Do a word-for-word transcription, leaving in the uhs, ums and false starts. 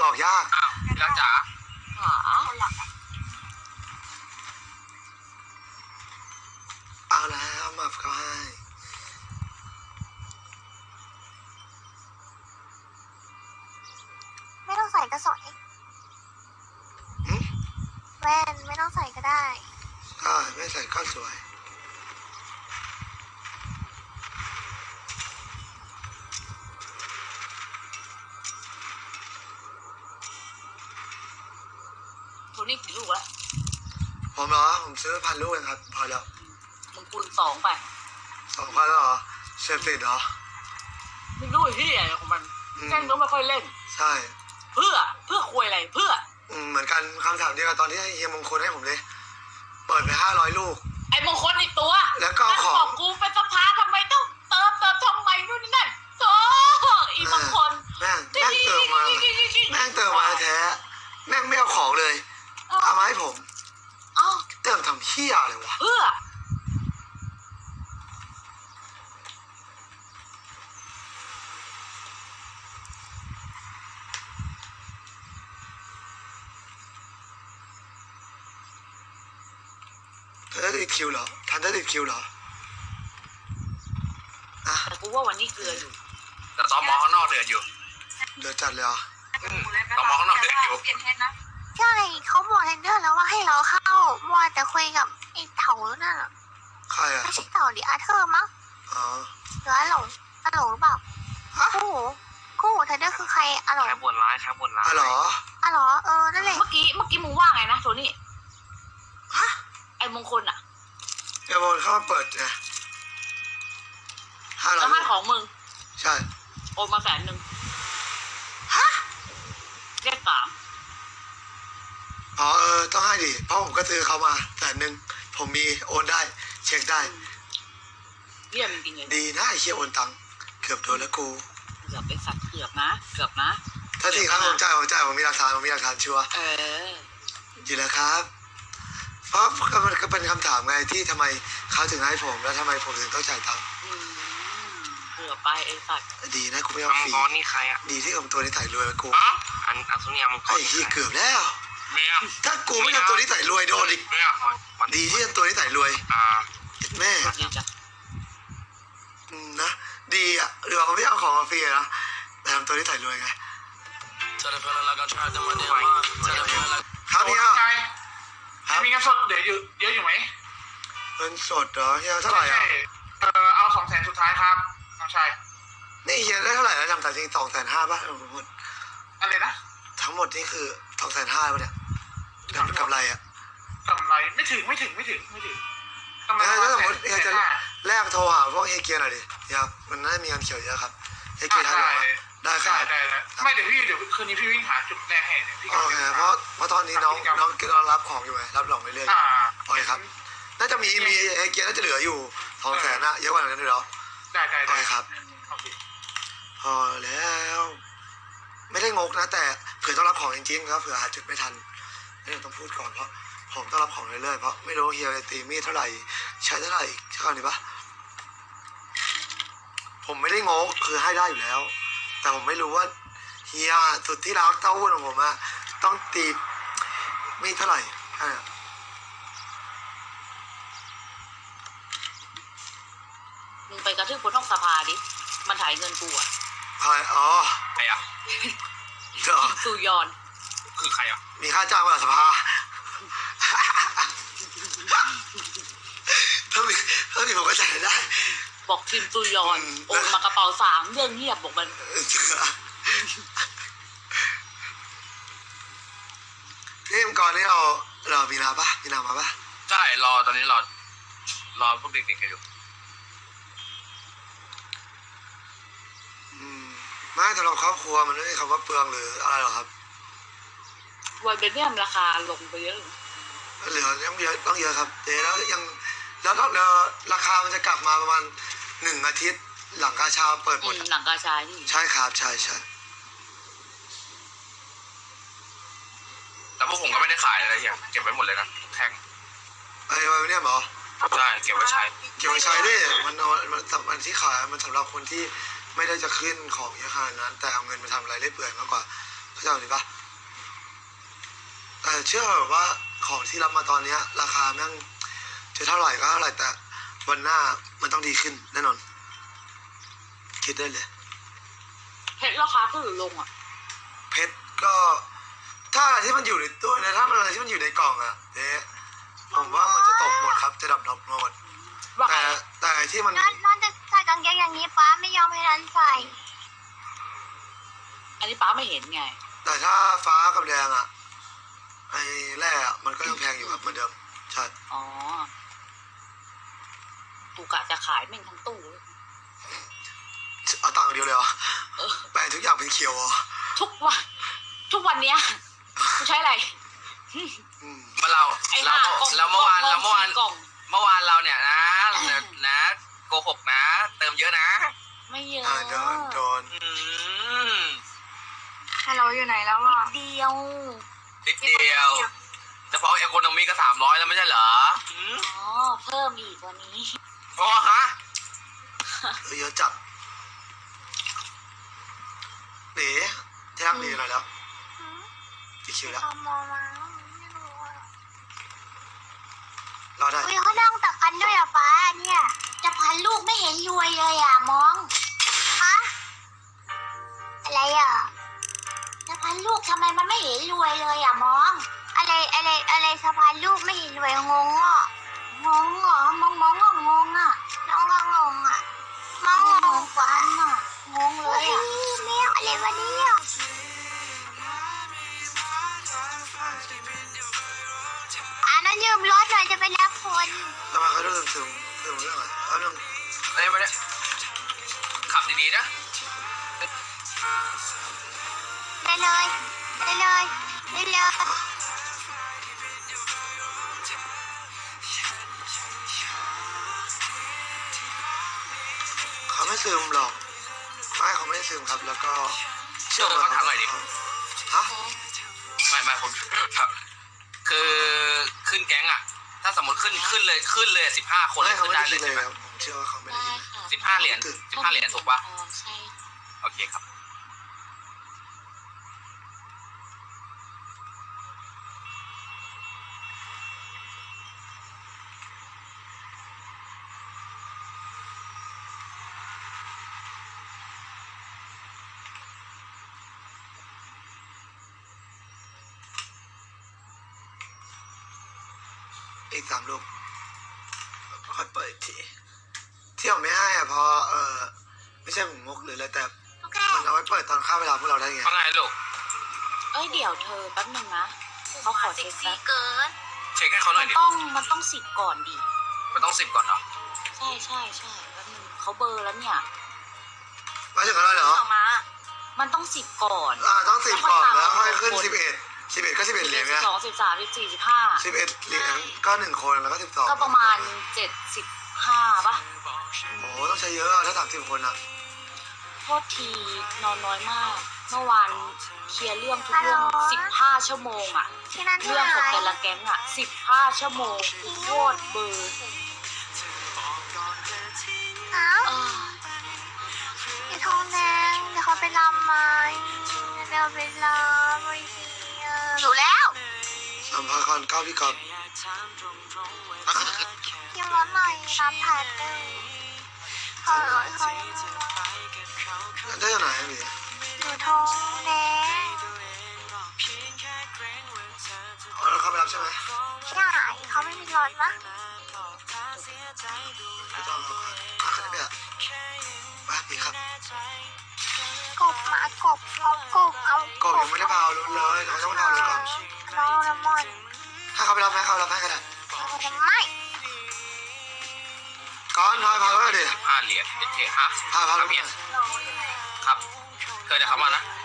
ออกยากอ้าวพี่รักจ๋าอ๋อเอาแล้วมาเขาให้ไม่ต้องใส่ก็สวยแว่นไม่ต้องใส่ก็ได้ใช่ไม่ใส่ก็สวยตัวนี้กี่ลูกแล้วผมเหรอผมซื้อพันลูกเองครับพอแล้วมึงคูณสองไปสองพันแล้วเหรอเสพติดเหรอไม่รู้ที่อะไรของมันแจ้งก็ไม่ค่อยเล่นใช่เพื่อเพื่อคุยอะไรเพื่อเหมือนกันคำถามเดียวกับตอนที่เฮียมงคลให้ผมเลยเปิดไปห้าร้อยลูกไอ้มงคลอีกตัวแล้วก็ของบอกกูเป็นสภาทำไมต้องเติมเติมทำไมนู่นนี่นั่นโอ้อีมงคลแม่งแม่งเติมมาแม่งเติมมาแท้แม่งไม่เอาของเลยเอามาให้ผมเติมทำเหี้ยอะไรวะเพื่อทันได้ติดคิวเหรอทันได้ติดคิวเหรออ่ะแต่กูว่าวันนี้เกลืออยู่แต่ตอมอข้างนอกเดือดอยู่เดือดจัดเลยอ่ะตอมอข้างนอกเดือดอยู่ใช่เขาบอกเทนเดอร์แล้วว่าให้เราเข้ามัวแต่คุยกับไอ้เต่านั่นอ่ะใครอ่ะไม่ใช่เต่าดิอาเธอร์มั้งอ๋อหรืออาหลงอาหลงหรือเปล่าคู่หูคู่หูเทนเดอร์คือใครอาหลงใครบนร้ายใครบนร้ายอ๋อเหรออาหรอเออนั่นแหละเมื่อกี้เมื่อกี้มึงว่าไงนะโทนี่ฮะไอ้มงคลอ่ะไอ้มงคลเข้ามาเปิดไงห้าร้อยแล้วให้ของมึงใช่โอนมาแสนหนึ่งฮะเรียกสามอ๋อเออต้องให้ดิเพราะผมก็ซื้อเขามาแสนหนึ่งผมมีโอนได้เช็คได้เยี่ยมจริงเลยดีนะไอ้เชี่ยโอนตังเกือบโดนแล้วกูเกือบเป็นสัตว์เกือบนะเกือบนะถ้าที่ครับผมจ่ายผมจ่ายผมมีหลักฐานผมมีหลักฐานชัวร์เออดีแล้วครับเพราะมันก็เป็นคำถามไงที่ทำไมเขาถึงให้ผมแล้วทำไมผมถึงต้องจ่ายตังค์เกือบไปไอ้สัตว์ดีนะกูไม่เอาฟรีนี่ใครอ่ะดีที่ผมตัวนี้ใส่รวยกูอันอันสุนียมังกรไอ้ที่เกือบแล้วถ้ากูไม่ทำตัวนี้ใส่รวยโดนอีกดีที่ทำตัวนี้ใส่รวยแม่นะดีอ่ะหรือว่าเขาไม่เอาของมาฟรีนะแต่ทำตัวนี้ใส่รวยไงครับพี่ครับมีเงินสดเดี๋ยวอยู่เยอะอยู่ไหมเงินสดเหรอเฮียเท่าไหร่อ่ะเออเอาสองแสนสุดท้ายครับน้องชายนี่เฮียได้เท่าไหร่แล้วจำแต่จริงสองแสนห้าป่ะทั้งหมดอะไรนะทั้งหมดนี่คือสองแสนห้าป่ะเนี่ยกำไรอ่ะกำไรไม่ถึงไม่ถึงไม่ถึงไม่ถึงกำไรถ้าสมมติเฮียจะแลกโทรหาพวกเฮเกียร์หน่อยดิครับมันน่าจะมีเงินเขียวเยอะครับเฮเกียร์ทันหรอได้ครับได้ได้ไม่เดี๋ยวพี่เดี๋ยวคืนนี้พี่วิ่งหาจุดแรกให้พี่โอเคเพราะเพราะตอนนี้น้องน้องกำลังรับของอยู่ไงรับรองไปเรื่อยโอเคครับน่าจะมีมีเฮเกียร์น่าจะเหลืออยู่สองแสนนะเยอะกว่านั้นด้วยเหรอได้ได้ได้ครับพอแล้วไม่ได้งกนะแต่เผื่อต้องรับของจริงๆครับเผื่อหาจุดไม่ทันนี่ต้องพูดก่อนเพราะผมต้องรับของเรื่อยๆเพราะไม่รู้เฮียตีมีดเท่าไหร่ใช้เท่าไหร่ใช่ก่อนดีปะผมไม่ได้งกคือให้ได้อยู่แล้วแต่ผมไม่รู้ว่าเฮียสุดที่รักเต้าหู้ของผมอะต้องตีมีดเท่าไหร่มึงไปกระทืบบนห้องสภาดิมันถ่ายเงินกูอ่ะใครอ๋อใครอ่ะสุยอนคือใครอ่ะมีค่าจ้างมาสภาถ้ามีถ้ามีผมก็จ่ายได้บอกทีมสุยอนโอนมากระเป๋าสามเรื่องเงียบบอกมันนี่มก่อนนี่เราเรามีนาปะมีนามาปะใช่รอตอนนี้รอรอพวกเด็กๆกันอยู่ไม่สำหรับครอบครัวมันไม่มีคำว่าเปลืองหรืออะไรหรอครับวันเป็นเนี่ยราคาลงไปเยอะเหลือยังเยอะต้องเยอะครับเดี๋ยวแล้วยังแล้วก็ราคามันจะกลับมาประมาณหนึ่งอาทิตย์หลังกาชาเปิดหมดหลังกาชาที่ใช่ครับใช่ใช่แต่พวกผมก็ไม่ได้ขายอะไรอย่างเก็บไว้หมดเลยนะแท่งไอ้ไว้เนี่ยหรอใช่เก็บไว้ใช้เก็บไว้ใช้ดิมันมันสำคัญที่ขายมันสำหรับคนที่ไม่ได้จะขึ้นของเยอะขนาดนั้นแต่เอาเงินมาทำอะไรได้เปื่อยมากกว่าเข้าใจหรือปะแต่เชื่อแบบว่าของที่รับมาตอนเนี้ย ราคาแม่งจะเท่าไหร่ก็เท่าไหร่แต่วันหน้ามันต้องดีขึ้นแน่นอน คิดได้เลยเพชรราคาขึ้นหรือลงอ่ะเพชรก็ถ้าอะไรที่มันอยู่ในตัวนะถ้ามันอะไรที่มันอยู่ในกล่องอะเนี่ยผมว่ามันจะตกหมดครับจะดับดอกหมดว่าไงแต่แต่ไอ้ที่มันนั่นนั่นจะใส่กางเกงอย่างนี้ป้าไม่ยอมให้นันใส่อันนี้ป้าไม่เห็นไงแต่ถ้าฟ้ากับแดงอะไอ้แร่อะมันก็ยังแพงอยู่ครับเหมือนเดิมใช่อ๋อตูกะจะขายแม่งทั้งตู้เลยเอาตังค์เดียวเลยเหรอเออแปลงทุกอย่างเป็นเขียวเหรอทุกวันทุกวันเนี้ยกูใช้อะไรอืมเมื่อเราไอ้เราห่ากล่องเราเมื่อวานกล่เราองเมื่อวานสี่กล่องเมื่อวานเราเนี่ยนะนะนะโกหกนะ เติมเยอะนะไม่เยอะอ่าโดนโดนอืมฮัลโหลอยู่ไหนแล้วอ่ะเดียวนิดเดียวเฉพาะเอโคโนมีก็สามร้อยแล้วไม่ใช่เหรออืมอ๋อเพิ่มอีกวันนี้อ๋อฮะเออเยอะจัดหนีที่รักหนีหน่อยแล้วกี่คิวแล้วเขามองมาไม่รู้อ่ะรอได้อุ้ยเขานั่งตักกันด้วยอ่ะป้าเนี่ยจะพันลูกไม่เห็นรวยเลยอ่ะมองฮะอะไรอ่ะจะพันลูกทำไมมันไม่เห็นรวยเลยอ่ะมอง อะไรอะไรอะไรสะพานลูกไม่เห็นรวยงงอ่ะงงเหรอมองมองก็งงอ่ะน้องก็งงอ่ะมองงงกว่าน่ะงงเลยอ่ะแมวอะไรวะเนี่ยอ่ะนั้นยืมรถหน่อยจะไปรับคนทำไมเขาเรื่องถึงถึงเรื่องอะไรเอาเรื่องเอ้ยไม่ได้ขับดีๆนะได้เลยได้เลยได้เลยเขาไม่ซึมหรอกไม่เขาไม่ได้ซึมครับ แล้วก็เชื่อเขาถามหน่อยดิฮะไม่ไม่ผม คือขึ้นแก๊งอ่ะ ถ้าสมมติขึ้นขึ้นเลยขึ้นเลยสิบห้าคนเลไม่ยเขาขึ้นไม่ได้ได้เลคิยดเลใช่ยไหมครับผมเชื่อว่าเขาไม่ได้ได้คิดค่ะสิบห้าเหรียญสิบห้าเหรียญถูกปะอ๋อใช่โอเคครับอีกสามลูกค่อยเปิดอีกทีที่ผมไม่ให้อ่ะเพราะเออไม่ใช่ผมงกหรืออะไรแต่โอเคมันเอาไว้เปิดตอนค่าเวลาพวกเราได้ไงว่าไงลูกเอ้ยเดี๋ยวเธอแป๊บนึงนะเขาขอเช็คแป๊บเกินเช็คให้เขาหน่มัอยนดิต้องมันต้องสิบก่อนดิมันต้องสิบก่อนเหรอใช่ใช่ใช่แป๊บนึงเขาเบอร์แล้วเนี่ยไม่ถึงอะไรเหรอมา มันต้องสิบก่อนอ่าต้องสิบก่อนแล้วค่อยขึ้นสิบเอ็ดสิบเอ็ดก็สิบเอ็ดเหรียญสิไงบสองสิบสามสิบสี่สิบห้าสิบเอ็ดเหรียญก็หนึ่งคนแล้วก็สิบสองก็ประมาณเจ็ดสิบห้าป่ะโอ้โหต้องใช้เยอะอะถ้าสามสิบคนอ่ะโทษทีนอนน้อยมาก เมื่อวานเคลียร์เรื่องทุกเรื่องสิบห้าชั่วโมงอะที่นั่นที่เรื่องไหนของแต่ละแก๊งอะสิบห้าชั่วโมงโคตรเบอร์อ้าวเออไอ้ทองแดงเดี๋ยวเขาไปรำไหมเดี๋ยวไปรำไอ้เหี้ยรู้แล้วสัมภาระก่อนเก้าพี่กอบยังร้อนหน่อยรำแผ่นหนึ่งขอร้อยขอยังได้จากไหนอะพี่อยู่ทองแดงอ๋อแล้วเขาไปรับใช่ไหมใช่เขาไม่มีรถมะไม่ต้องหรอกครับขาดเนี่ยมาพี่ครับกบมากบเอากบเอากบยังไม่ได้พาวรถเลยเขาต้องพาวรถก่อนน้องละมอนถ้าเขาไปรับไหมเขารับให้ก็ได้ไม่ก่อนพาพาวรถดิสิบห้าเหรียญโอเคฮะพาพาวรถเมีเนี่ย ยครับ เคยจะเข้ามานะไ